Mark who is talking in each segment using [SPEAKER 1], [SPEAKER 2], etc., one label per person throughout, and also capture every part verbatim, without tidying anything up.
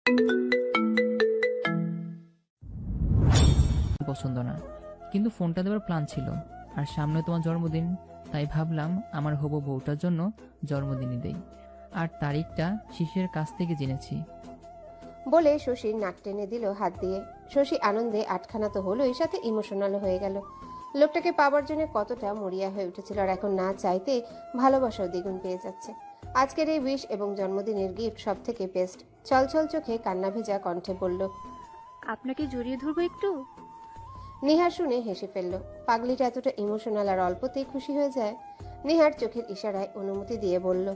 [SPEAKER 1] পছন্দ না, কিন্তু ফোনটা দেওয়ার প্ল্যান ছিল। আর সামনে তোমার জন্মদিন, তাই ভাবলাম আমার হবু বউটার জন্য জন্মদিনই দেই। আর তারিখটা শিশিরের কাছ থেকে জেনেছি।
[SPEAKER 2] বলে শশীর নাক টেনে দিল হাত দিয়ে। শশী আনন্দে আটখানা তো হলোই, সাথে ইমোশনাল হয়ে গেল। লোকটাকে পাবার জন্য কতটা মরিয়া হয়ে উঠেছিল, আর এখন না চাইতে ভালোবাসাও দ্বিগুণ পেয়ে যাচ্ছে। আজকের এই উইশ এবং জন্মদিনের গিফট সব থেকে বেস্ট। ছলছল চোখে কান্না ভেজা কণ্ঠে বলল,
[SPEAKER 3] আপনাকে জড়িয়ে ধরবো একটু?
[SPEAKER 2] নিহার শুনে হেসে ফেলল। পাগলিটা এতটা ইমোশনাল আর অল্পতেই খুশি হয়ে যায়। নিহার চোখের ইশারায় অনুমতি দিয়ে বলল,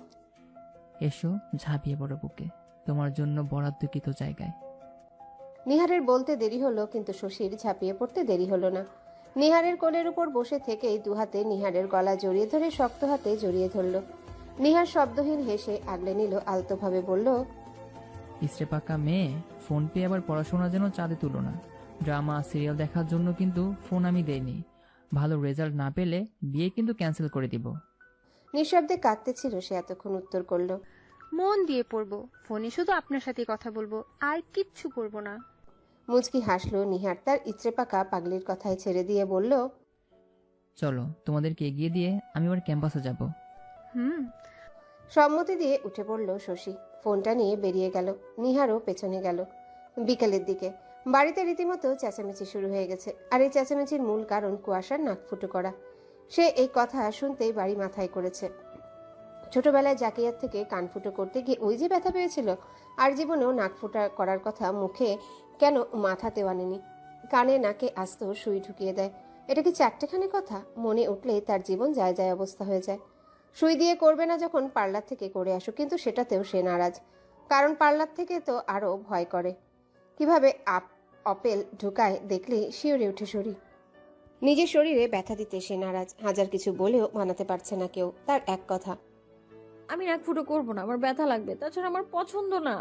[SPEAKER 1] এসো, ঝাঁপিয়ে পড়ো বুকে, তোমার জন্য বরাদ্দকৃত জায়গায়।
[SPEAKER 2] নিহারের বলতে দেরি হলো, কিন্তু শশীর ঝাঁপিয়ে পড়তে দেরি হলো না। নিহারের কোলের উপর বসে থেকেই দুহাতে নিহারের গলা জড়িয়ে ধরে শক্ত হাতে জড়িয়ে ধরল। নিহার শব্দহীন হেসে আগলে নিল, আলতোভাবে বলল,
[SPEAKER 1] ইস্রে পাকা মেয়ে, ফোন পেয়ে আবার পড়াশোনা যেন চাঁদে তুলো না। ড্রামা সিরিয়াল দেখার জন্য কিন্তু ফোন আমি দেইনি। ভালো রেজাল্ট না পেলে বিয়ে কিন্তু ক্যান্সেল করে দিব।
[SPEAKER 2] নিঃশব্দে কাঁদতেছিল সে, এতক্ষণ উত্তর করল,
[SPEAKER 3] মন দিয়ে পড়বো, ফোনে শুধু আপনার সাথে কথা বলবো, আর কিচ্ছু করব না।
[SPEAKER 2] মুচকি হাসলো নিহার তার ইচড়ে পাকা পাগলির কথায় ছেড়ে দিয়ে বলল,
[SPEAKER 1] চলো, তোমাদেরকে এগিয়ে দিয়ে আমি আবার ক্যাম্পাসে যাব।
[SPEAKER 3] হুম।
[SPEAKER 2] সম্মতি দিয়ে উঠে পড়ল শশী। ফোনটা নিয়ে বেরিয়ে গেল। নিহারও পেছনে গেল। বিকালের দিকে বাড়িতে রীতিমতো চেঁচামেচি শুরু হয়ে গেছে। আর এই চেঁচামেচির মূল কারণ কুয়াশার নাক ফুটো করা। সে এই কথা শুনতেই বাড়ি মাথায় করেছে। ছোটবেলায় জাকিয়ার থেকে কান ফুটো করতে গিয়ে ওই যে ব্যথা পেয়েছিল, আর জীবনেও নাক ফুটা করার কথা মুখে কেন মাথাতেও আনেনি। কানে নাকে আস্ত সুই ঢুকিয়ে দেয়। এটা কি চারটেখানি কথা? মনে উঠলেই তার জীবন যায় যায় অবস্থা হয়ে যায়। সুই দিয়ে করবে না যখন পার্লার থেকে করে আসুক, কিন্তু সেটাতেও সে নারাজ। কারণ পার্লার থেকে তো আরো ভয় করে। কিভাবে আপ অপেল ঢুকায় দেখলেই শিউরে উঠে শরীর। নিজের শরীরে ব্যথা দিতে সে নারাজ। হাজার কিছু বলেও মানাতে পারছে না কেউ তার এক কথা।
[SPEAKER 4] আমি নাক ফুটো করবো না, আমার ব্যথা লাগবে, তাছাড়া আমার পছন্দ না।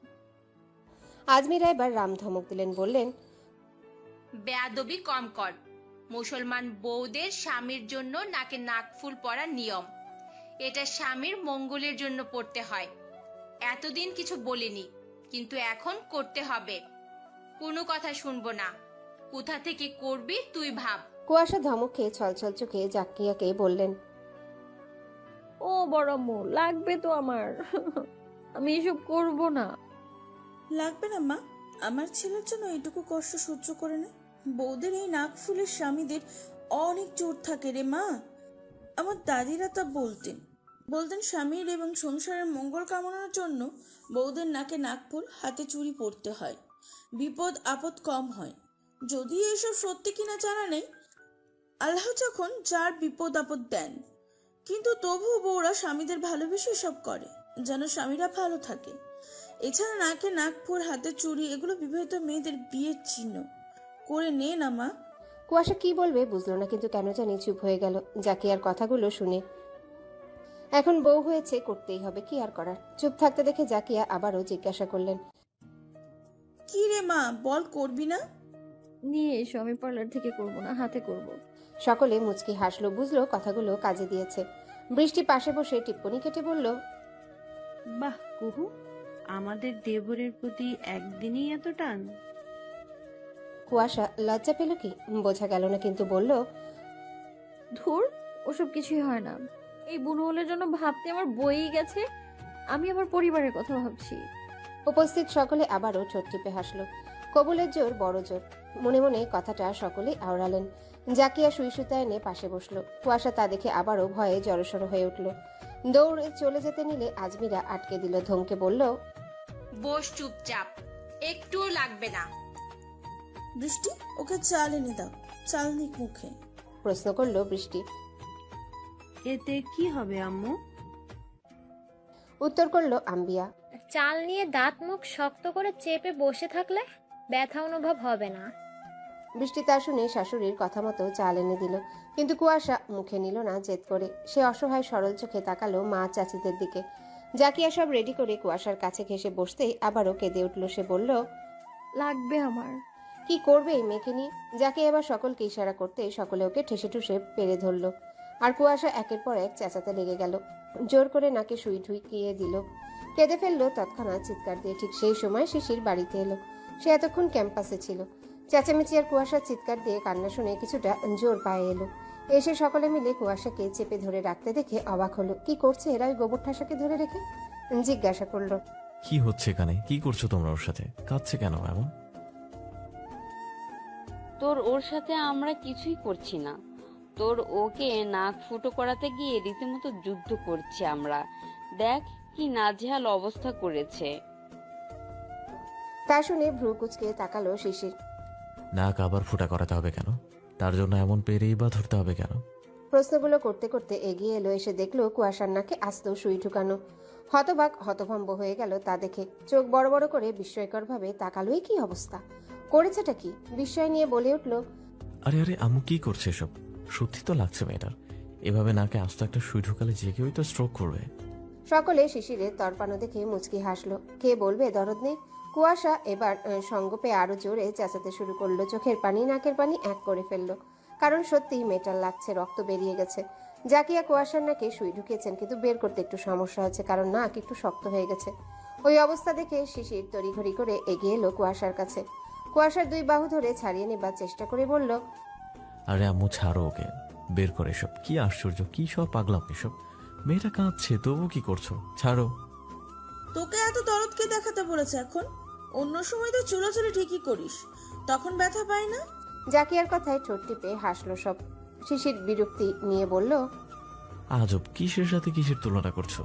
[SPEAKER 2] আজমিরা এবার রাম ধমক দিলেন, বললেন,
[SPEAKER 5] বেয়াদবি কম কর। মুসলমান বউদের স্বামীর জন্য নাকে নাকফুল পরা নিয়ম। এটা স্বামীর মঙ্গলের জন্য পড়তে হয়। এতদিন কিছু বলিনি, কিন্তু এখন করতে হবে। কোনো কথা শুনবো না। কোথা থেকে করবি তুই ভাব।
[SPEAKER 2] কুয়াশা ধমক খেয়ে ছলছল চোখে জাকিয়াকে বললেন,
[SPEAKER 4] ও বড় আম্মু, লাগবে তো আমার। আমি এসব করব না।
[SPEAKER 6] লাগবে না মা, আমার ছেলের জন্য এইটুকু কষ্ট সহ্য করে নে। বউদের এই নাক ফুলের স্বামীদের অনেক জোর থাকে রে মা। আমার দাদিরা তা বলতেন বলতেন স্বামীর এবং সংসারের মঙ্গল কামনার জন্য বউদের নাকে নাক ফুল, হাতে চুড়ি পরতে হয়। বিপদ আপদ কম হয়। যদিও এসব সত্যি কিনা জানা নেই, আল্লাহ যখন যার বিপদ আপদ দেন, কিন্তু তবুও বউরা স্বামীদের ভালোবেসে সব করে যেন স্বামীরা ভালো থাকে। এছাড়া নাকে নাকফুল, হাতে চুড়ি এগুলো বিবাহিত মেয়েদের বিয়ের চিহ্ন। করে নে না মা।
[SPEAKER 2] কুয়াশা কি বলবে বুঝলো না, কিন্তু কেন জানি চুপ হয়ে গেল জাকিয়ার কথাগুলো শুনে। এখন বউ হয়েছে, করতেই হবে, কি আর করার। চুপ থাকতে দেখে জাকিয়া আবারও জিজ্ঞাসা করলেন,
[SPEAKER 6] কি রে মা, বল করবি না?
[SPEAKER 4] নিয়ে এসো, আমি পার্লার থেকে করব না, হাতে করব।
[SPEAKER 2] সকলে মুচকি হাসলো, বুঝলো কথাগুলো কাজে দিয়েছে। বৃষ্টি পাশে বসে টিপ্পনি কেটে বলল,
[SPEAKER 7] বাহ কুহু, আমাদের দেবরের প্রতি একদিনই এত টান?
[SPEAKER 2] কুয়াশা লজ্জা পেল কি বোঝা গেল না, কিন্তু বলল,
[SPEAKER 4] ধুর, ওসব কিছুই হয় না। এই বুনহলের জন্য ভাবতে আমার বইই গেছে। আমি আমার পরিবারের কথা ভাবছি।
[SPEAKER 2] উপস্থিত সকলে আবারও ঠোঁট টিপে হাসলো। কবুলের জোর বড় জোর। মনে মনে কথাটা সকলেই আওড়ালেন। জাকিয়া সুই সুতা এনে পাশে বসলো। কুয়াশা তা দেখে আবারও ভয়ে জড়সড় হয়ে উঠল। দৌড়ে চলে যেতে নিলে আজমিরা আটকে দিল, ধমকে বলল,
[SPEAKER 5] বস চুপচাপ, একটুও লাগবে না।
[SPEAKER 6] বৃষ্টি, ওকে চাল এনে দাও, চাল নিক মুখে।
[SPEAKER 2] প্রশ্ন করলো বৃষ্টি।
[SPEAKER 7] এতে কি হবে আম্মু?
[SPEAKER 2] উত্তর করলো আম্বিয়া।
[SPEAKER 8] চাল নিয়ে দাঁত মুখ শক্ত করে চেপে বসে থাকলে ব্যথা অনুভব হবে না।
[SPEAKER 2] বৃষ্টি তা শুনে শাশুড়ির কথা মতো চাল এনে দিল, কিন্তু কুয়াশা মুখে নিল না জেদ করে। সে অসহায় সরল চোখে তাকালো মা চাচিদের দিকে। জাকিয়া সব রেডি করে কুয়াশার কাছে ঘেসে বসতেই আবারও কেঁদে উঠল। সে বলল,
[SPEAKER 4] লাগবে আমার।
[SPEAKER 2] কি করবে এই মেয়েকে নিয়ে? জাকিয়া এবার সকলকে ইশারা করতে সকলে ওকে ঠেসে ঠুসে পেরে ধরলো। আর কুয়াশা একের পর এক চেঁচাতে লেগে গেল। জোর করে নাকে সুই ঢুকিয়ে দিল। কেঁদে ফেললো তৎক্ষণাৎ চিৎকার দিয়ে। ঠিক সেই সময় শিশির বাড়িতে এলো। সে এতক্ষণ ক্যাম্পাসে ছিল। চেঁচামেচি আর কুয়াশার চিৎকার দিয়ে কান্না শুনে কিছুটা জোর পায়ে এলো। এসে সকলে মিলে কুয়াশাকে চেপে ধরে রাখতে দেখে অবাক হলো। কি করছে এরা ওই গোবর ঠাসাকে ধরে রেখে? জিজ্ঞাসা করলো,
[SPEAKER 9] কি হচ্ছে এখানে? কি করছো তোমরা ওর সাথে? কাঁদছে কেন এমন?
[SPEAKER 10] তোর ওর সাথে আমরা কিছুই করছি না। তোর ওকে নাক ফুটো করাতে গিয়ে রীতিমতো যুদ্ধ করছি আমরা। দেখ কি নাজেহাল অবস্থা করেছে।
[SPEAKER 2] তা শুনে ভ্রু কুচকে তাকালো শিশির।
[SPEAKER 9] নাক আবার ফুটা করাতে হবে কেন? তার জন্য এমন পেরেই বা ধরতে হবে কেন?
[SPEAKER 2] প্রশ্নগুলো করতে করতে এগিয়ে এলো। এসে দেখলো কুয়াশার নাকে আস্ত সুই ঢুকানো। হতবাক হতভম্ব হয়ে গেল তা দেখে। চোখ বড় বড় করে বিস্ময়কর ভাবে তাকালো। এই কি অবস্থা, করেছেটা কি? বিস্ময় নিয়ে বলে উঠল,
[SPEAKER 9] আরে আরে আম্মু কি করছে এসব? সত্যি তো লাগছে মেয়েটার। এভাবে নাকে আস্ত একটা সুই ঢুকালে যে কেউই তো স্ট্রোক করবে।
[SPEAKER 2] সকলে শিশিরের তরপানো দেখে মুচকি হাসলো। কে বলবে দরদ নেই? কুয়াশা এবার সঙ্গ পেয়ে আরো জোরে চেঁচাতে শুরু করলো। চোখের পানি নাকের পানি এক করে ফেললো। কারণ সত্যিই মেটাল লাগছে, রক্ত বেরিয়ে গেছে। জাকিয়া কুয়াশার নাকে সুই ঢুকিয়েছেন, কিন্তু বের করতে একটু সমস্যা হচ্ছে, কারণ নাক একটু শক্ত হয়ে গেছে। ওই অবস্থা দেখে শিশির তড়িঘড়ি করে এগিয়ে এলো কুয়াশার কাছে। কুয়াশার দুই বাহু ধরে ছাড়িয়ে নেবার চেষ্টা করে বলল,
[SPEAKER 9] আরে আম্মু ছাড়ো ওকে, বের করে এসব। কি আশ্চর্য, কি সব পাগলাম এসব। মেয়েটা কাঁদছে তবু কি করছো? ছাড়ো।
[SPEAKER 6] তোকে এত দরদকে দেখাতে বলেছে এখন? অন্য সময় তো চুলোচুলি ঠিকই করিস, তখন ব্যথা পায় না?
[SPEAKER 2] জাকিয়ার কথায় ঠোঁট টিপে হাসলো সব। শিশির বিরক্তি নিয়ে বলল,
[SPEAKER 9] আজব, কিসের সাথে কিসের তুলনা করছো?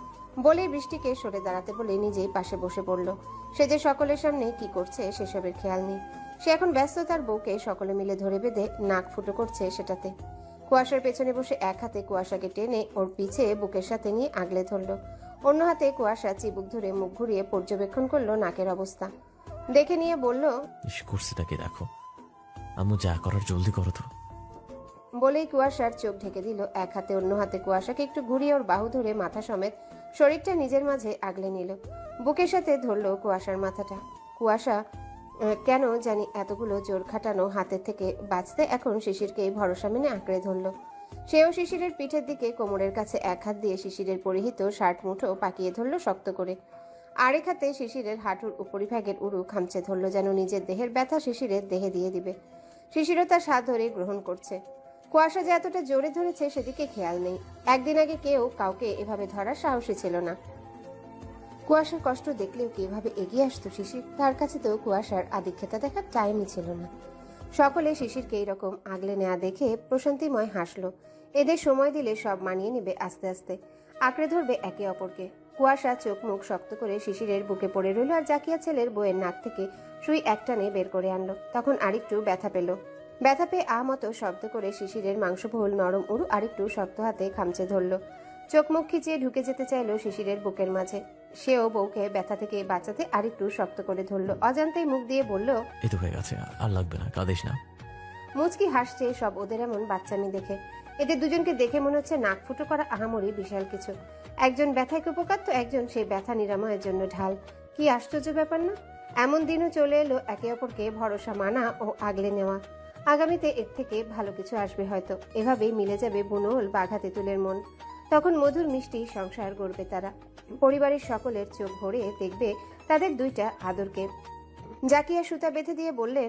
[SPEAKER 2] বলে বৃষ্টিকে সরে দাঁড়াতে বলে নিজেই পাশে বসে পড়ল। সে যে সকলের সামনে কি করছে সেসবের খেয়াল নেই। সে এখন ব্যস্ত তার বউকে সকলে মিলে ধরে বেঁধে নাক ফুটো করছে সেটাতে। কুয়াশার পেছনে বসে এক হাতে কুয়াশাকে টেনে ওর পিছে বুকের সাথে নিয়ে আগলে ধরল। অন্য হাতে কুয়াশা চিবুক ধরে মুখ ঘুরিয়ে পর্যবেক্ষণ করলো নাকের অবস্থা। দেখে নিয়ে বলল,
[SPEAKER 9] ইস করছে তাকে দেখো। আম্মু যা করার জলদি করো তো।
[SPEAKER 2] বলেই কুয়াশার চোখ ঢেকে দিল এক হাতে। অন্য হাতে কুয়াশাকে একটু ঘুরিয়ে ওর বাহু ধরে মাথা সমেত শরীরটা নিজের মাঝে আগলে নিল। বুকের সাথে ধরল কুয়াশার মাথাটা। কুয়াশা কেন জানি এতগুলো জোর খাটানো হাতের থেকে বাঁচতে এখন শিশিরকে ভরসা মেনে আঁকড়ে ধরল। সেও শিশিরের পিঠের দিকে কোমরের কাছে এক হাত দিয়ে শিশিরের পরিহিত শার্ট মুঠো পাকিয়ে ধরল শক্ত করে। আরেক হাতে শিশিরের হাঁটুর উপরিভাগের উরু খামচে ধরল, যেন নিজের দেহের ব্যথা শিশিরের দেহে দিয়ে দিবে। শিশিরও তার স্বাদ ধরে গ্রহণ করছে। কুয়াশা যে এতটা জোরে ধরেছে সেদিকে খেয়াল নেই। একদিন আগে কেউ কাউকে এভাবে ধরার সাহসী ছিল না। কুয়াশার কষ্ট দেখলেও কি এভাবে এগিয়ে আসতো শিশির? তার কাছে তো কুয়াশার আদিক্ষেতা দেখার টাইমই ছিল না। সকলে শিশিরকে এইরকম আগলে নেওয়া দেখে প্রশান্তিময় হাসলো। এদের সময় দিলে সব মানিয়ে নেবে আস্তে আস্তে, আঁকড়ে ধরবে একে অপরকে। কুয়াশা চোখ মুখ শক্ত করে শিশিরের বুকে পড়ে রইল আর জাকিয়া ছেলের বইয়ের নাক থেকে সুই একটানে বের করে আনলো। তখন আরেকটু ব্যথা পেল। ব্যথা পেয়ে আ মতো শব্দ করে শিশিরের মাংসবহুল নরম উরু আরেকটু শক্ত হাতে খামচে ধরল। চোখ মুখ খিচিয়ে ঢুকে যেতে চাইলো শিশিরের বুকের মাঝে। সেও বউকে ব্যথা থেকে বাঁচাতে আরেকটু শক্ত করে ধরলো। অজান্তেই মুখ দিয়ে বলল,
[SPEAKER 9] এই তো হয়ে গেছে, আর লাগবে না, কাঁদিস না।
[SPEAKER 2] মুচকি হাসছে সব ওদের এমন বাচ্চামি দেখে। এদের দুজনকে দেখে মনে হচ্ছে নাক ফুটো করা আহামরি বিশাল কিছু। একজন ব্যথায় উপকার তো একজন সেই ব্যথা নিরাময়ের জন্য ঢাল। কি আশ্চর্য ব্যাপার না? এমন দিনও চলে এলো একে অপরকে ভরসা মানা ও আগলে নেওয়া। আগামীতে এর থেকে ভালো কিছু আসবে হয়তো। এভাবেই মিলে যাবে বুনোল বাঘা তেঁতুলের মন। তখন মধুর মিষ্টি সংসার গড়বে তারা। পরিবারের সকলের চোখ ভরে দেখবে তাদের দুইটা আদরকে। জাকিয়া সুতা বেঁধে দিয়ে বললেন,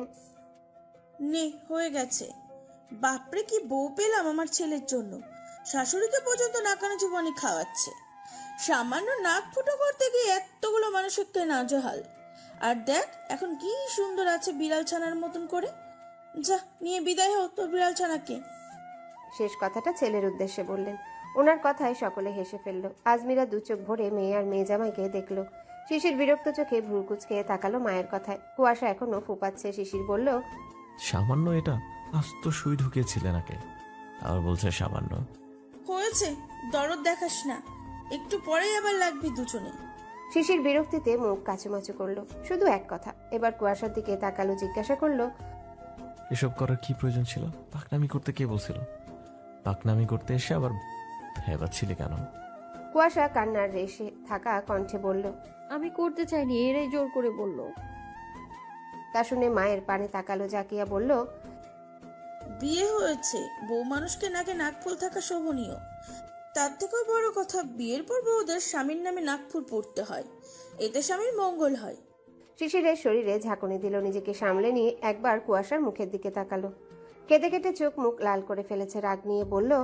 [SPEAKER 6] নে হয়ে গেছে। বাপরে কি বউ পেলাম আমার ছেলের জন্য। শাশুড়িকে পর্যন্ত নাকানো চুবানি খাওয়াচ্ছে। সামান্য নাক ফুটো করতে গিয়ে এতগুলো মানুষকে নাজেহাল। আর দেখ এখন কি সুন্দর আছে বিড়াল ছানার মতন করে। যা নিয়ে বিদায় হও তোর বিড়াল ছানাকে।
[SPEAKER 2] শেষ কথাটা ছেলের উদ্দেশ্যে বললেন। ওনার কথায় সকলে হেসে ফেলল। আজমিরা দু চোখ ভরে মেয়ে আর মেয়ে জামাইকে দেখলো। শিশির বিরক্ত চোখে ভ্রু কুঁচকে তাকালো মায়ের কথায়। কুয়াশা এখনো ফুপাচ্ছে। শিশির বলল,
[SPEAKER 9] সামান্য এটা? আস্ত সুই ঢুকিয়েছিলে নাকে, আবার বলছে সামান্য।
[SPEAKER 6] হয়েছে, দরদ দেখাস না, একটু পরেই আবার লাগবি দুজনে।
[SPEAKER 2] শিশির বিরক্তিতে মুখ কাচুমাচু করলো। শুধু এক কথা। এবার কুয়াশার দিকে তাকালো, জিজ্ঞাসা করলো,
[SPEAKER 9] এসব করার কি প্রয়োজন ছিল? পাকনামি করতে কে বলছিল? পাকনামি করতে এসে আবার ভেবাচ্ছিলে কেন?
[SPEAKER 2] কুয়াশা কান্নার রেশে থাকা কণ্ঠে বলল,
[SPEAKER 4] আমি করতে চাইনি, এরাই জোর করে বলল।
[SPEAKER 2] তা শুনে মায়ের পানে তাকালো। জাকিয়া বলল,
[SPEAKER 6] বিয়ে হয়েছে, বউ মানুষকে নাকে নাক ফুল থাকা শোভনীয়। তার থেকেও বড় কথা, বিয়ের পর বউদের স্বামীর নামে নাকফুল পড়তে হয়, এতে স্বামীর মঙ্গল হয়।
[SPEAKER 2] শিশিরের শরীরে ঝাঁকুনি দিল, নিজেকে সামলে নিয়ে একবার কুয়াশার মুখের দিকে তাকালো। কেঁদে কেটে চোখ মুখ লাল করে ফেলেছে, রাগ নিয়ে বলল,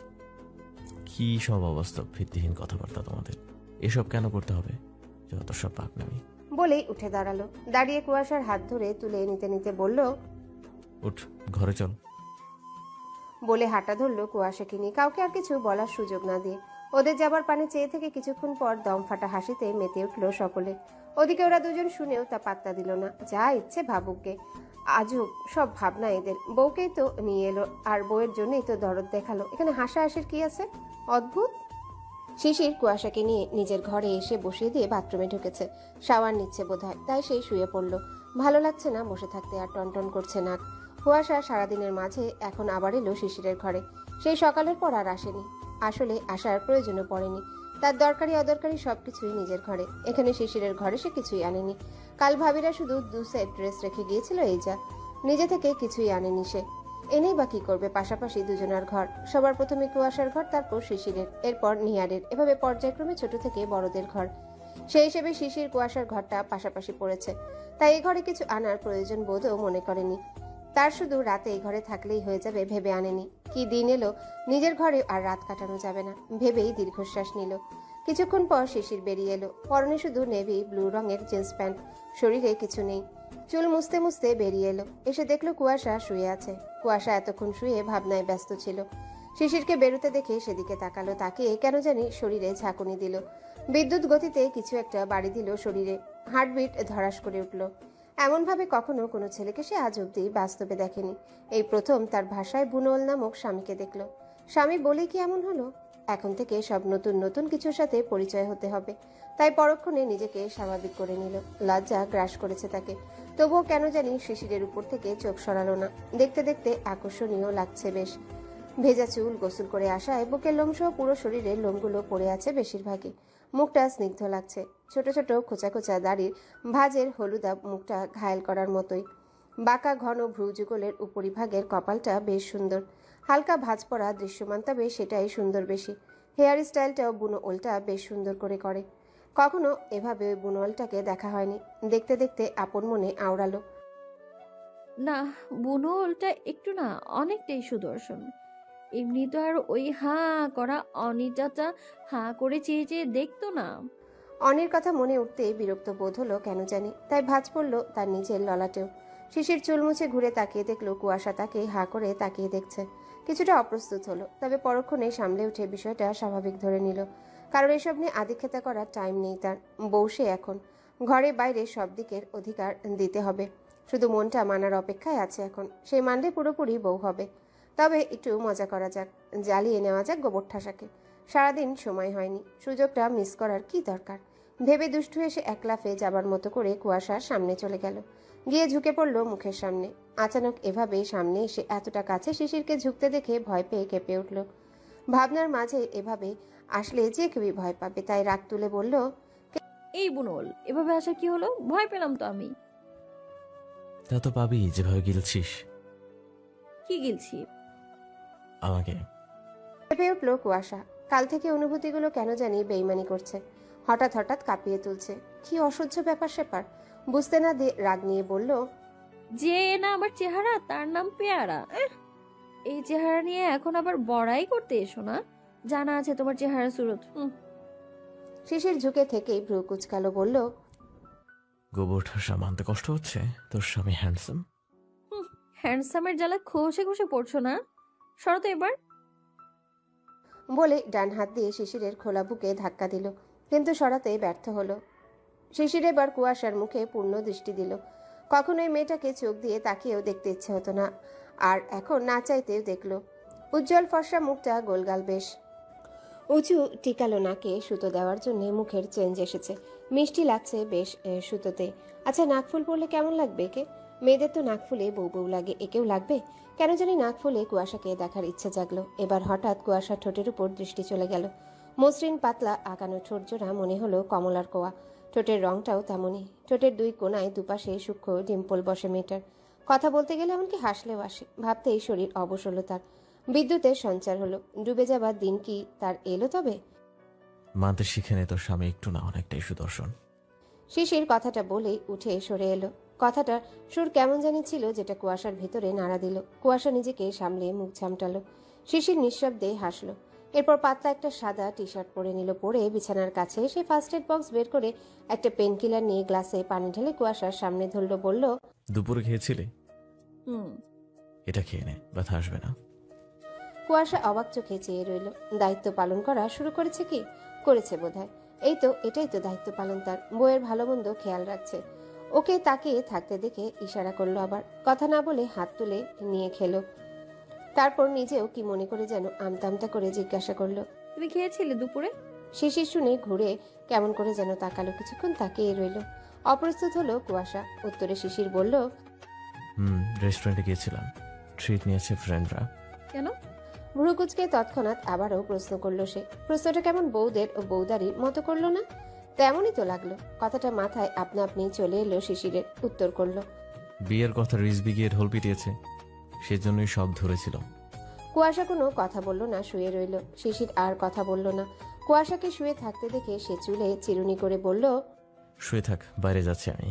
[SPEAKER 9] কি সব অবস্থা, ভিত্তিহীন কথাবার্তা তোমাদের। এসব কেন করতে হবে? যত সব পাকনামি।
[SPEAKER 2] বলেই উঠে দাঁড়ালো। দাঁড়িয়ে কুয়াশার হাত ধরে তুলে নিতে নিতে বলল,
[SPEAKER 9] উঠ, ঘরে চল।
[SPEAKER 2] বলে হাঁটা ধরলো কুয়াশাকে নিয়ে, কাউকে আর কিছু বলার সুযোগ না দিয়ে। ওদের যাবার পানে চেয়ে থেকে কিছুক্ষণ পর দম ফাটা হাসিতে মেতে উঠলো সকলে। ওদিকে ওরা দুজন শুনেও তা পাত্তা দিল না, যা ইচ্ছে ভাবুককে। আজব সব ভাবনা এদের। বউকেই তো নিয়ে এলো, আর বউয়ের জন্যই তো দরদ দেখালো, এখানে হাসাহাসির কি আছে? অদ্ভুত। শিশির কুয়াশাকে নিয়ে নিজের ঘরে এসে বসিয়ে দিয়ে বাথরুমে ঢুকেছে। শাওয়ার নিচ্ছে বোধহয়, তাই সেই শুয়ে পড়লো। ভালো লাগছে না বসে থাকতে, আর টনটন করছে নাক। কুয়াশা সারাদিনের মাঝে এখন আবার এলো শিশিরের ঘরে। সেই সকালের পর আর আসেনি। আসলে আসার প্রয়োজনও পড়েনি। তার দরকারি অদরকারি সবকিছুই নিজের ঘরে। এখানে শিশিরের ঘরে সে কিছুই আনেনি। কাল ভাবিরা শুধু দু সেট ড্রেস রেখে গিয়েছিল, এই যা। নিজে থেকে কিছুই আনেনি সে। এনেই বা কি করবে? পাশাপাশি দুজনার ঘর। সবার প্রথমে কুয়াশার ঘর, তারপর শিশিরের, এরপর নিহারের, এভাবে পর্যায়ক্রমে ছোট থেকে বড়দের ঘর। সেই হিসেবে শিশির কুয়াশার ঘরটা পাশাপাশি পড়েছে, তাই এই ঘরে কিছু আনার প্রয়োজন বোধও মনে করেনি। তার শুধু রাতে এই ঘরে থাকলেই হয়ে যাবে ভেবে আনেনি। কি দিন এলো, নিজের ঘরে আর রাত কাটানো যাবে না ভেবেই দীর্ঘশ্বাস নিল। কিছুক্ষণ পর শিশির বেরিয়ে এলো। পরনে শুধু নেভি ব্লু রঙের জিন্স প্যান্ট, শরীরে কিছু নেই। চুল মুছতে মুছতে বেরিয়ে এলো। এসে দেখলো কুয়াশা শুয়ে আছে। কুয়াশা এতক্ষণ শুয়ে ভাবনায় ব্যস্ত ছিল। শিশিরকে বেরোতে দেখে সেদিকে তাকালো, তাকিয়ে কেন জানি শরীরে ঝাঁকুনি দিল। বিদ্যুৎ গতিতে কিছু একটা বাড়ি দিল শরীরে। হার্টবিট ধরাস করে উঠল। এমনভাবে কখনো কোনো ছেলেকে সে আজ অব্দি বাস্তবে দেখেনি। এই প্রথম তার ভাষায় বুনোল নামক স্বামীকে দেখল। স্বামী বলেই কি এমন হলো? এখন থেকে সব নতুন নতুন কিছুর সাথে পরিচয় হতে হবে। তাই পরক্ষণে নিজেকে স্বাভাবিক করে নিল। লজ্জা গ্রাস করেছে তাকে, তবুও কেন জানি শিশিরের উপর থেকে চোখ সরালো না। দেখতে দেখতে আকর্ষণীয় লাগছে বেশ। ভেজা চুল, গোসল করে আসায় বুকের লোমসহ পুরো শরীরের লোমগুলো পড়ে আছে বেশিরভাগই। মুখটা স্নিগ্ধ লাগছে। ছোট ছোট খোঁচা খোঁচা দাড়ির ভাঁজের হলুদা মুখটা ঘায়েল করার মতোই। বাঁকা ঘন ভ্রু যুগলের উপরিভাগের কপালটা বেশ সুন্দর। হালকা ভাঁজ পড়া দৃশ্যমান, তবে সেটাই সুন্দর বেশি। হেয়ার স্টাইলটাও বুনো ওলটা বেশ সুন্দর করে করে। কখনো এভাবে ওই বুনো ওলটাকে দেখা হয়নি। দেখতে দেখতে আপন মনে আওড়ালো,
[SPEAKER 4] না, বুনো ওলটা একটু না অনেকটাই সুদর্শন। এমনি তো আর ওই হাঁ করা অনিটাটা হাঁ করে চেয়ে চেয়ে দেখতো না।
[SPEAKER 2] অনির কথা মনে উঠতেই বিরক্ত বোধ হলো কেন জানি, তাই ভাঁজ পড়লো তার নিজের ললাটেও। শিশির চুল মুছে ঘুরে তাকিয়ে দেখলো কুয়াশা তাকে হাঁ করে তাকিয়ে দেখছে। কিছুটা অপ্রস্তুত হলো, তবে পরক্ষণে সামলে উঠে বিষয়টা স্বাভাবিক ধরে নিল। কারণ এসব নিয়ে আদিক্ষেতা করার টাইম নেই তার। বউ সে এখন, ঘরে বাইরে সব দিকের অধিকার দিতে হবে। শুধু মনটা মানার অপেক্ষায় আছে এখন। সেই মানলে পুরোপুরি বউ হবে। তবে একটু মজা করা যাক, জ্বালিয়ে নেওয়া যাক গোবর ঠাসাকে। সারাদিন সময় হয়নি, সুযোগটা মিস করার কি দরকার? ভেবে দুষ্টু এসে এক লাফে যাবার মতো করে কুয়াশার সামনে চলে গেল। গিয়ে ঝুঁকে পড়লো মুখের সামনে। আচানক এভাবে সামনে এসে এতটা কাছে শিশিরকে ঝুঁকতে দেখে ভয় পেয়ে কেঁপে উঠল। ভাবনার মাঝে এভাবে আসলে যে কেউই ভয় পাবে, তাই রাগ তুলে বলল,
[SPEAKER 4] এই বুনোল, এভাবে আসা কি হলো? ভয় পেলাম তো আমি।
[SPEAKER 9] তা তো পাবি, যেভাবে গিলছিস
[SPEAKER 4] কি গিলছি?
[SPEAKER 9] আমাকে।
[SPEAKER 2] কেঁপে উঠল কুয়াশা। কাল থেকে অনুভূতিগুলো কেন জানি বেইমানি করছে। হঠাৎ হঠাৎ কাঁপিয়ে তুলছে। কি অসহ্য ব্যাপার স্যাপার বুঝতে না দিয়ে রাগ নিয়ে বলল,
[SPEAKER 4] যে না আমার চেহারা তার নাম পেয়ারা। এহ, এই চেহারা নিয়ে এখন আবার বড়াই করতে এসো না। জানা আছে তোমার চেহারা সুরত। হুম।
[SPEAKER 2] শিশির ঝুঁকে থেকেই ভ্রু কুচকালো, বলল,
[SPEAKER 9] গোবর ঠাসা মানতে কষ্ট হচ্ছে? তোর স্বামী হ্যান্ডসাম।
[SPEAKER 4] হ্যান্ডসামের জ্বালা খসে খসে পড়ছো না? সরো তো এবার।
[SPEAKER 2] বলে ডান হাত দিয়ে শিশিরের খোলা বুকে ধাক্কা দিল, কিন্তু সরাতে ব্যর্থ হলো। শিশির এবার কুয়াশার মুখে পূর্ণ দৃষ্টি দিল। কখনোই মেয়েটাকে চোখ দিয়ে তাকিয়েও দেখতে ইচ্ছে হতো না, আর এখন না চাইতেও দেখলো। উজ্জ্বল ফর্সা মুখটা, গোলগাল বেশ। উঁচু টিকালো নাকে সুতো দেওয়ার জন্য মুখের চেঞ্জ এসেছে। মিষ্টি লাগছে বেশ সুতোতে। আচ্ছা, নাকফুল পরলে কেমন লাগবে একে? মেয়েদের তো নাকফুলে বউ বউ লাগে, একেও লাগবে? কেন জানি নাকফুলে কুয়াশাকে দেখার ইচ্ছে জাগলো। এবার হঠাৎ কুয়াশার ঠোঁটের উপর দৃষ্টি চলে গেল। মসৃণ পাতলা আঁকানো ঠোঁট জোড়া মনে হলো কমলার কোয়া। ঠোঁটের রংটাও তেমনই। ঠোঁটের দুই কোনায় দুপাশে সূক্ষ্ম ডিম্পল বসে মেয়েটার। কথা বলতে গেলে এমনকি হাসলেও আসে। ভাবতেই শরীর অবশ হলো তার। বিদ্যুতের সঞ্চার হলো। ডুবে যাবার দিন কি তার এলো তবে?
[SPEAKER 9] মানতে শিখে নে তোর স্বামী একটু না অনেকটাই সুদর্শন।
[SPEAKER 2] শিশির কথাটা বলেই উঠে সরে এলো। কথাটার সুর কেমন জানি ছিল, যেটা কুয়াশার ভিতরে নাড়া দিল। কুয়াশা নিজেকে সামলে মুখ ঝামটালো। শিশির নিঃশব্দে হাসলো। এরপর পাতলা একটা সাদা টি শার্ট পরে নিল। পরে বিছানার কাছে এসে ফার্স্ট এড বক্স বের করে একটা পেন কিলার নিয়ে গ্লাসে পানি ঢেলে কুয়াশার সামনে ধরলো। বলল,
[SPEAKER 9] দুপুরে খেয়েছিলি?
[SPEAKER 4] হুম।
[SPEAKER 9] এটা খেয়ে নে, ব্যথা আসবে না।
[SPEAKER 2] কুয়াশা অবাক চোখে চেয়ে রইল। দায়িত্ব পালন করা শুরু করেছে কি? করেছে বোধহয়। এই তো, এটাই তো দায়িত্ব পালন তার। বইয়ের ভালো মন্দ খেয়াল রাখছে। ওকে তাকিয়ে থাকতে দেখে ইশারা করলো। আবার কথা না বলে হাত তুলে নিয়ে খেলো। তারপর নিজেও কি মনে করে যেন আমতা আমতা করে জিজ্ঞাসা করলো,
[SPEAKER 4] তুমি খেয়েছিলে দুপুরে?
[SPEAKER 2] শিশির শুনে ঘুরে কেমন করে যেন তাকালো। কিছুক্ষণ তাকিয়ে রইল। অপ্রস্তুত হলো কুয়াশা। উত্তরে শিশির বলল,
[SPEAKER 9] হুম, রেস্টুরেন্টে গিয়েছিলাম, ট্রিট নিয়েছে ফ্রেন্ডরা।
[SPEAKER 2] কেন? ভ্রুকুচকে তৎক্ষণাৎ আবারও প্রশ্ন করলো সে। প্রশ্নটা কেমন বউদের ও বউদারির মতো করলো না? তেমনই তো লাগলো। কথাটা মাথায় আপনা আপনি চলে এলো শিশিরের। উত্তর করলো,
[SPEAKER 9] বিয়ের কথা রিজবি গিয়ে ঢোল পিটিয়েছে, সেজন্যই সব ধরেছিল।
[SPEAKER 2] কুয়াশা কোনো কথা বলল না, শুয়ে রইল। শিশির আর কথা বলল না। কুয়াশাকে শুয়ে থাকতে দেখে সে চুলে চিরুনি করে বলল,
[SPEAKER 9] শুয়ে থাক, বাইরে যাচ্ছি আমি।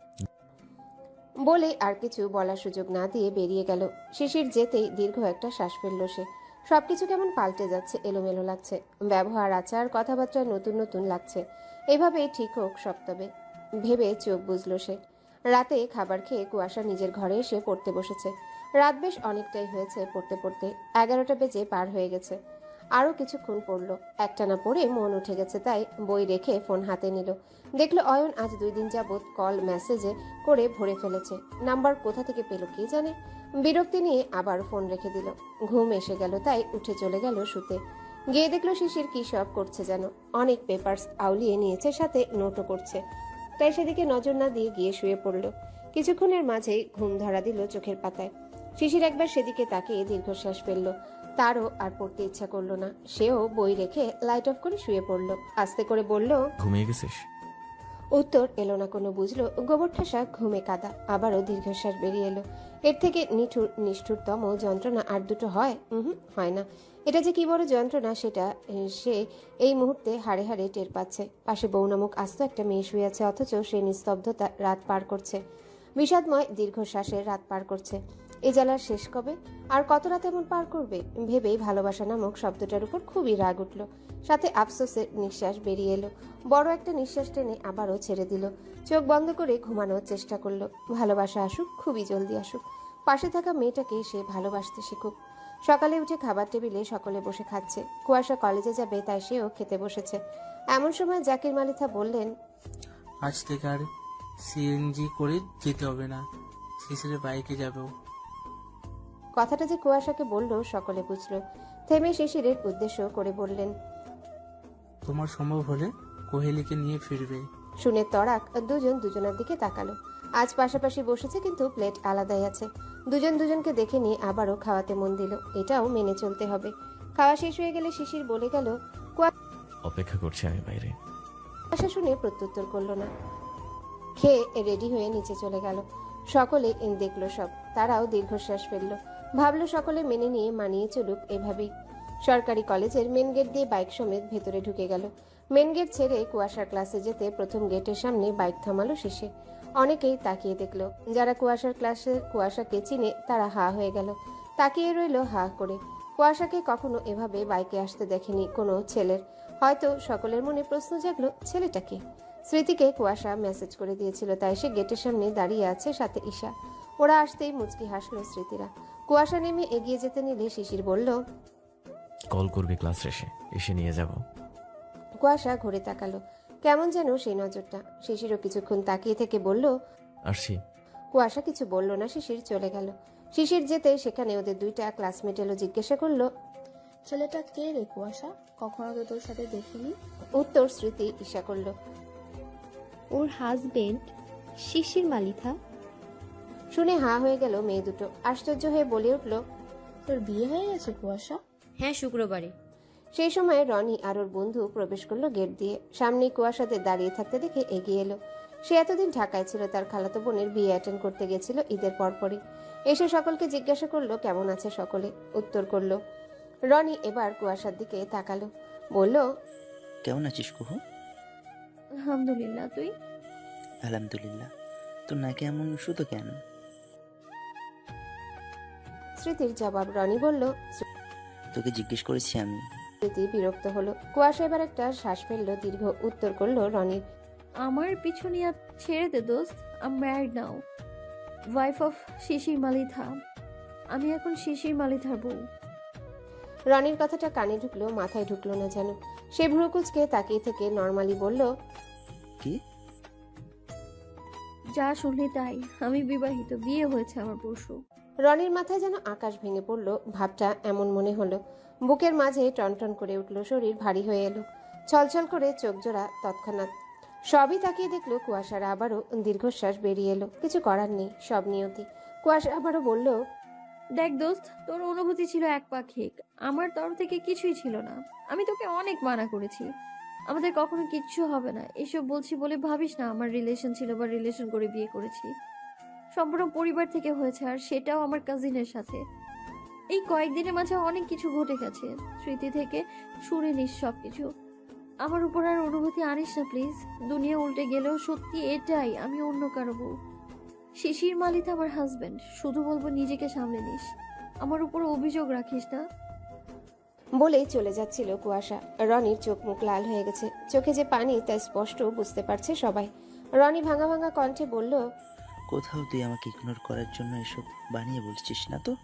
[SPEAKER 2] বলে আর কিছু বলার সুযোগ না দিয়ে বেরিয়ে গেল। শিশির যেতেই দীর্ঘ একটা শ্বাস ফেলল সে। সবকিছু কেমন পাল্টে যাচ্ছে, এলোমেলো লাগছে। ব্যবহার, আচার, কথাবার্তা নতুন নতুন লাগছে। এভাবেই ঠিক হোক সব তবে, ভেবে চোখ বুঝলো সে। রাতে খাবার খেয়ে কুয়াশা নিজের ঘরে এসে পড়তে বসেছে। রাত বেশ অনেকটাই হয়েছে পড়তে পড়তে। এগারোটা বেজে পার হয়ে গেছে। আরো কিছুক্ষণ পড়লো। একটানা পড়ে মন উঠে গেছে, তাই বই রেখে ফোন হাতে নিল। দেখলো অয়ন আজ দুই দিন যাবৎ কল মেসেজে করে ভরে ফেলেছে। নাম্বার কোথা থেকে পেল কে জানে। বিরক্তি নিয়ে আবার ফোন রেখে দিল। ঘুম এসে গেল, তাই উঠে চলে গেল শুতে। গিয়ে দেখলো শিশির কি সব করছে যেন। অনেক পেপারস আউলিয়ে নিয়েছে, সাথে নোটও করছে। তাই সেদিকে নজর না দিয়ে গিয়ে শুয়ে পড়ল। কিছুক্ষণের মাঝেই ঘুম ধরা দিল চোখের পাতায়। শিশির একবার সেদিকে তাকিয়ে দীর্ঘশ্বাস ফেলল। তারও আর পড়তে ইচ্ছা করলো না। সেও বই রেখে লাইট অফ করে শুয়ে পড়ল। আস্তে করে বলল,
[SPEAKER 9] ঘুমিয়ে গেছিস?
[SPEAKER 2] উত্তর এলো না কোনো। বুঝলো গোবর ঠাসা ঘুমে কাদা। আবারও দীর্ঘশ্বাস বেরিয়ে এলো। এর থেকে নিঠুর নিষ্ঠুরতম যন্ত্রণা আর দুটো হয়? হুম, হয় না। এটা যে কি বড় যন্ত্রণা সেটা সে এই মুহূর্তে হাড়ে হাড়ে টের পাচ্ছে। পাশে বউ নামক আস্ত একটা মেয়ে শুয়ে আছে, অথচ সে নিস্তব্ধতা রাত পার করছে। বিষাদময় দীর্ঘশ্বাসের রাত পার করছে। এ জ্বালার শেষ কবে? আর কত রাত এমন পার করবে? ভেবেই ভালোবাসা নামক শব্দটার উপর খুবই রাগ উঠল। সাথে আফসোসের নিঃশ্বাস বেরিয়ে এলো। বড় একটা নিঃশ্বাস টেনে আবারও ছেড়ে দিল। চোখ বন্ধ করে ঘুমানোর চেষ্টা করলো। ভালোবাসা আসুক, খুবই জলদি আসুক। পাশে থাকা মেয়েটাকে সে ভালোবাসতে শিখুক। সকালে উঠে খাবার টেবিলে সকলে বসে খাচ্ছে। কুয়াশা কলেজে যাবে, তাই সেও খেতে বসেছে। এমন সময় জাকির মালিথা বললেন,
[SPEAKER 11] আজ থেকে আর সিএনজি করে যেতে হবে না, শিশিরের বাইকে যাবো।
[SPEAKER 2] কথাটা যে কুয়াশাকে বললো সকলে বুঝলো। থেমে শিশিরের উদ্দেশ্য করে বললেন,
[SPEAKER 11] তোমার সম্ভব হলে কোহেলিকে নিয়ে ফিরবে।
[SPEAKER 2] শুনে তরাক দুজন দুজনের দিকে তাকালো। আজ পাশাপাশি বসেছে, কিন্তু প্লেট আলাদাই আছে। দুজন দুজনকে দেখে নিয়ে আবারও খাওয়াতে মন দিল। এটাও মেনে চলতে হবে। খাওয়া শেষ হয়ে গেলে শিশির বলে গেল,
[SPEAKER 9] অপেক্ষা করছি আমি বাইরে।
[SPEAKER 2] কুয়াশা শুনে প্রত্যুত্তর করলো না। খেয়ে রেডি হয়ে নিচে চলে গেল। সকলে দেখলো সব। তারাও দীর্ঘশ্বাস ফেললো। ভাবলো সকলে মেনে নিয়ে মানিয়ে চলুক এভাবেই। সরকারি কলেজের মেন গেট দিয়ে বাইক সমেত ভেতরে ঢুকে গেল। মেন গেট ছেড়ে কুয়াশার ক্লাসে যেতে প্রথম গেটের সামনে বাইক থামালো শেষে। অনেকেই তাকিয়ে দেখলো। যারা কুয়াশার ক্লাসের কুয়াশাকে চিনে তারা হা হয়ে গেল। তাকিয়ে রইল হা করে। কুয়াশাকে কখনো এভাবে বাইকে আসতে দেখেনি কোনো ছেলের। হয়তো সকলের মনে প্রশ্ন জাগলো, ছেলেটাকে স্মৃতিকে কুয়াশা মেসেজ করে দিয়েছিল, তাই সে গেটের সামনে দাঁড়িয়ে আছে, সাথে ঈশা। ওরা আসতেই মুচকি হাসলো স্মৃতিরা। কুয়াশা নেমে এগিয়ে যেতে নিলে শিশির বলল,
[SPEAKER 9] কল করবি ক্লাস শেষে, এসে নিয়ে যাব।
[SPEAKER 2] কুয়াশা ঘুরে তাকালো। কেমন যেন সেই নজরটা। শিশিরও কিছুক্ষণ তাকিয়ে থেকে বলল,
[SPEAKER 9] আসছি।
[SPEAKER 2] কুয়াশা কিছু বলল না। শিশির চলে গেল। শিশির যেতে সেখানে ওদের দুইটা ক্লাসমেট এলো। জিজ্ঞাসা করলো,
[SPEAKER 12] ছেলেটা কে রে কুয়াশা? কখনো তো তোর সাথে দেখিনি।
[SPEAKER 2] উত্তর স্মৃতি ঈশা করলো,
[SPEAKER 13] ওর হাজবেন্ড শিশির মালিথা।
[SPEAKER 2] শুনে হা হয়ে গেল মেয়ে দুটো। আশ্চর্য হয়ে বলে উঠল,
[SPEAKER 12] তোর বিয়ে হয়ে গেছে কুয়াশা?
[SPEAKER 13] হ্যাঁ, শুক্রবারে।
[SPEAKER 2] সেই সময় রনি আর ওর বন্ধু প্রবেশ করলো গেট দিয়ে। সামনে কুয়াশাদের দাঁড়িয়ে থাকতে দেখে এগিয়ে এলো। সে এতদিন ঢাকায় ছিল, তার খালাতো বোনের বিয়ে অ্যাটেন্ড করতে গেছিল ঈদের পরপরই। এসে সকলকে জিজ্ঞাসা করলো কেমন আছে সকলে, উত্তর করলো। রনি এবার কুয়াশার দিকে তাকালো, বলল,
[SPEAKER 14] কেমন আছিস কুহু?
[SPEAKER 4] আলহামদুলিল্লাহ, তুই?
[SPEAKER 14] আলহামদুলিল্লাহ। তোর নাকি এমন শুধু কেন?
[SPEAKER 2] স্মৃতির জবাব। রনি বলল,
[SPEAKER 14] তোকে জিজ্ঞেস করেছি আমি।
[SPEAKER 2] স্মৃতি বিরক্ত হলো। কুয়াশা এবার একটা শ্বাস ফেললো, দীর্ঘ উত্তর করলো রনির।
[SPEAKER 4] আমার পিছু নিয়ে ছেড়ে দে দোস্ত। I am married now, wife of Shishir Malitha. আমি এখন শিশির মালিথার বউ।
[SPEAKER 2] রনির কথাটা কানে ঢুকলো, মাথায় ঢুকলো না যেন। সে ভ্রুকুচকে তাকিয়ে থেকে নর্মালি বলল,
[SPEAKER 14] কি?
[SPEAKER 4] যা শুনলি তাই, আমি বিবাহিত, বিয়ে হয়েছে আমার পরশু।
[SPEAKER 2] রনির মাথায় যেন আকাশ ভেঙে পড়ল, ভাবটা এমন মনে হলো। বুকের মাঝে টনটন করে উঠল, শরীর ভারী হয়ে এলো, ছলছল করে চোখ জোড়া তৎক্ষণাৎ। সবই তাকিয়ে দেখলো কুয়াশার আবারও দীর্ঘশ্বাস বেরিয়ে এলো। কিছু করার নেই, সব নিয়তি। কুয়াশা আবারও বলল,
[SPEAKER 4] দেখ দোস্ত, তোর অনুভূতি ছিল একপাক্ষিক, আমার তরফ থেকে কিছুই ছিল না। আমি তোকে অনেক মানা করেছি, আমাদের কখনো কিচ্ছু হবে না এসব বলছি বলে ভাবিস না আমার রিলেশন ছিল বা রিলেশন করে বিয়ে করেছি। সম্পূর্ণ পরিবার থেকে হয়েছে, আর সেটাও আমার কাজিনের সাথে। এই কয়েকদিনের মাঝে অনেক কিছু ঘটে গেছে, স্মৃতি থেকে শুনে নিস সব কিছু। আমার উপর আর অনুভূতি আনিস না প্লিজ। দুনিয়া উল্টে গেলেও সত্যি এটাই, আমি অন্য কারো বউ। শিশির মালিত আমার হাজবেন্ড। শুধু বলবো নিজেকে সামলে নিস, আমার উপর অভিযোগ রাখিস না।
[SPEAKER 2] বলেই চলে যাচ্ছিল কুয়াশা। রনির চোখ মুখ লাল হয়ে গেছে, চোখে যে পানি তা স্পষ্ট বুঝতে পারছে সবাই। রনি ভাঙা ভাঙা কণ্ঠে বলল,
[SPEAKER 14] কোথাও তুই আমাকে ইগনোর করার জন্য এসব বানিয়ে বলছিস না তো?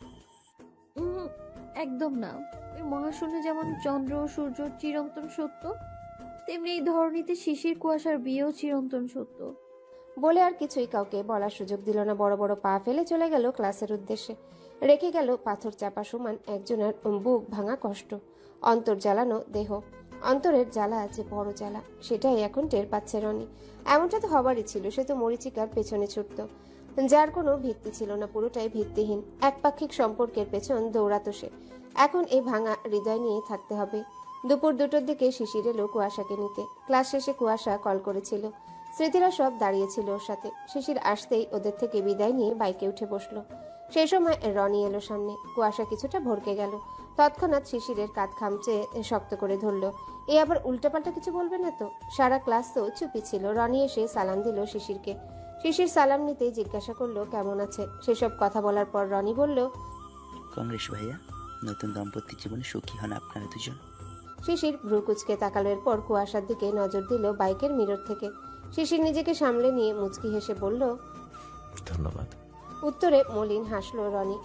[SPEAKER 4] উম, একদম না। ওই মহাশূন্যে যেমন চন্দ্র ও সূর্য চিরন্তন সত্য, তেমনি এই ধরনীতে শিশির কুয়াশার বিয়েও চিরন্তন সত্য।
[SPEAKER 2] বলে আর কিছুই কাউকে বলার সুযোগ দিল না। বড় বড় পা ফেলে চলে গেল ক্লাসের উদ্দেশ্যে। রেখে গেল পাথর চাপা সমান একজনের বুক ভাঙা কষ্ট, অন্তর জ্বালানো দেহ। অন্তরের জ্বালা আছে বড় জ্বালা, সেটাই এখন টের পাচ্ছে রনি। এমনটা তো হবারই ছিল, সে তো মরিচিকার পেছনে ছুটত, যার কোনো ভিত্তি ছিল না, পুরোটাই ভিত্তিহীন। একপাক্ষিক সম্পর্কের পেছন দৌড়াতো সে। এখন এই ভাঙা হৃদয় নিয়ে থাকতে হবে। দুপুর দুটোর দিকে শিশির এলো কুয়াশাকে নিতে। ক্লাস শেষে কুয়াশা কল করেছিল। স্মৃতিরা সব দাঁড়িয়েছিল ওর সাথে। শিশির আসতেই ওদের থেকে বিদায় নিয়ে বাইকে উঠে বসলো। সেই সময় রনি এলো সামনে। কুয়াশা কিছুটা ভরকে গেল, তৎক্ষণাৎ শিশিরের কাঁধ খামচে শক্ত করে ধরলো। এ আবার উল্টাপাল্টা কিছু বলবে না তো? সারা ক্লাস তো চুপি ছিল। রনি এসে সালাম দিল শিশিরকে। শিশির সালাম নিতেই জিজ্ঞাসা করলো কেমন আছে। সেসব কথা বলার পর রনি বলল,
[SPEAKER 14] কংগ্রেস ভাইয়া, নতুন দাম্পত্য জীবনে সুখী হন আপনারা দুজন।
[SPEAKER 2] শিশির ভ্রুকুচকে তাকালো। এরপর কুয়াশার দিকে নজর দিল বাইকের মিরর থেকে। শিশির নিজেকে সামলে নিয়ে মুচকি হেসে বলল,
[SPEAKER 9] ধন্যবাদ।
[SPEAKER 2] উত্তরে মলিন হাসলো রনি।